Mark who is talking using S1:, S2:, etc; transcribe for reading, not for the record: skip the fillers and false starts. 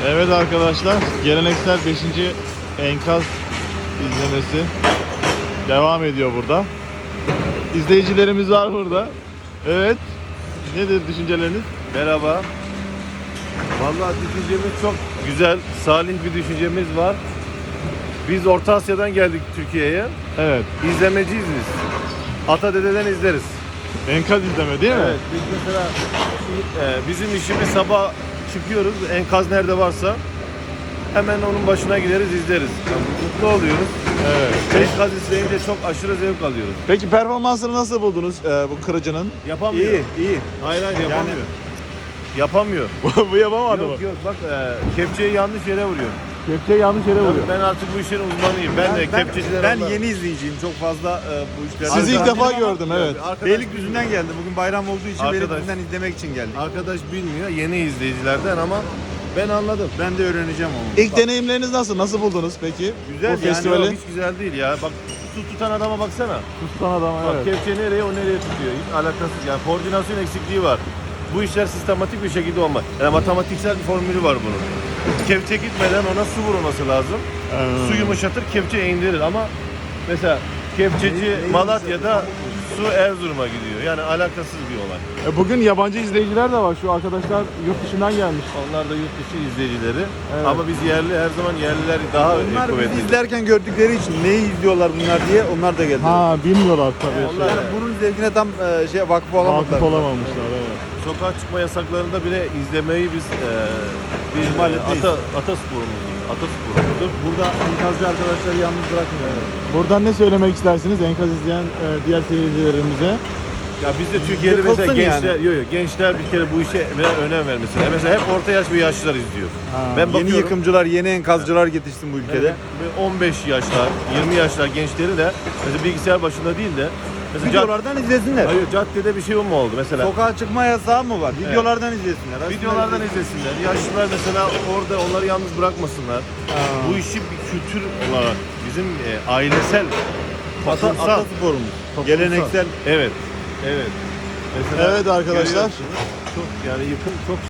S1: Evet arkadaşlar, geleneksel 5. enkaz izlemesi devam ediyor burada. İzleyicilerimiz var burada. Evet, nedir düşünceleriniz?
S2: Merhaba. Vallahi düşüncemiz çok güzel, salih bir düşüncemiz var. Biz Orta Asya'dan geldik Türkiye'ye.
S1: Evet,
S2: İzlemeciyiz biz. Ata dededen izleriz.
S1: enkaz izleme değil mi?
S2: Evet, biz mesela bizim işimiz sabah çıkıyoruz, enkaz nerede varsa hemen onun başına gideriz, izleriz. Yani mutlu oluyoruz.
S1: Evet.
S2: Enkaz izleyince çok aşırı zevk alıyoruz.
S1: Peki performansını nasıl buldunuz bu kırıcının?
S2: Yapamıyor.
S3: İyi.
S2: Hayır yapamıyor. Yapamıyor.
S1: Bu yapamadı mı?
S2: Yok bak kepçeyi yanlış yere vuruyor.
S1: Kepçeyi yanlış yere vuruyor.
S2: Ben artık bu işin uzmanıyım. Ben de kepçeciler
S3: Ben
S2: olarak-
S3: yeni izleyiciyim. Çok fazla bu işlerde.
S1: Sizi ilk
S2: Arkadaş-
S1: defa gördüm, evet.
S2: Arkadaş-
S3: Beylikdüzü'nden geldim. Bugün bayram olduğu için
S2: Arkadaş-
S3: Beylikdüzü'nden izlemek için geldik.
S2: Arkadaş bilmiyor, yeni izleyicilerden ama ben anladım.
S3: Ben de öğreneceğim onu.
S1: İlk deneyimleriniz nasıl? Nasıl buldunuz peki?
S2: Güzel
S1: bu
S2: yani
S1: festivali.
S2: hiç güzel değil ya. Bak su tutan adama baksana.
S1: Tutan adam,
S2: Bak
S1: evet.
S2: kepçe nereye o nereye tutuyor. Hiç alakasız yani koordinasyon eksikliği var. Bu işler sistematik bir şekilde olmaz. Yani matematiksel bir formülü var bunun. Kepçe gitmeden ona su vurması lazım. Su yumuşatır, kepçe indirir ama mesela kepçeci Malatya'da su Erzurum'a gidiyor. Yani alakasız bir olay.
S1: Bugün yabancı izleyiciler de var. Şu arkadaşlar yurt dışından gelmiş.
S2: Onlar da yurt dışı izleyicileri.
S1: Evet.
S2: Ama biz yerli her zaman yerliler daha
S3: Onlar
S2: kuvvetli.
S3: bizi izlerken gördükleri için neyi izliyorlar bunlar diye onlar da geldi.
S1: Ha, bilmiyorlar tabii.
S2: Onlar-
S3: Yani bunun zevkine tam vakıf olamadılar.
S1: Vakıf olamamışlar, evet.
S2: Sokağa çıkma yasaklarında bile izlemeyi biz bir
S3: İhmal etmeyiz.
S2: atasporumuzdur.
S3: Burada enkazcı arkadaşları yalnız bırakmıyor.
S1: Buradan ne söylemek istersiniz enkaz izleyen diğer seyircilerimize?
S2: Ya biz de Türkiye'de
S3: Yıkılsın
S2: mesela
S3: yani.
S2: gençler bir kere bu işe önem vermesi. Mesela hep orta yaş ve yaşlılar izliyor. Ben
S3: Yeni
S2: bakıyorum.
S3: yıkımcılar, yeni enkazcılar yetişsin bu ülkede.
S2: Evet, ve 15 yaşlar, 20 yaşlar gençleri de mesela bilgisayar başında değil de mesela
S3: Videolardan izlesinler.
S2: hayır, caddede bir şey mu oldu mesela?
S3: Sokağa çıkma yasağı mı var? Videolardan izlesinler.
S2: Videolardan izlesinler. Yaşlılar mesela orada onları yalnız bırakmasınlar. Bu işi bir kültür olarak bizim ailesel, toplumsal,
S3: Atasporumuz. Geleneksel.
S2: Evet. Evet. Mesela
S1: Evet arkadaşlar.
S2: görüyorsunuz, çok yani yıkım çok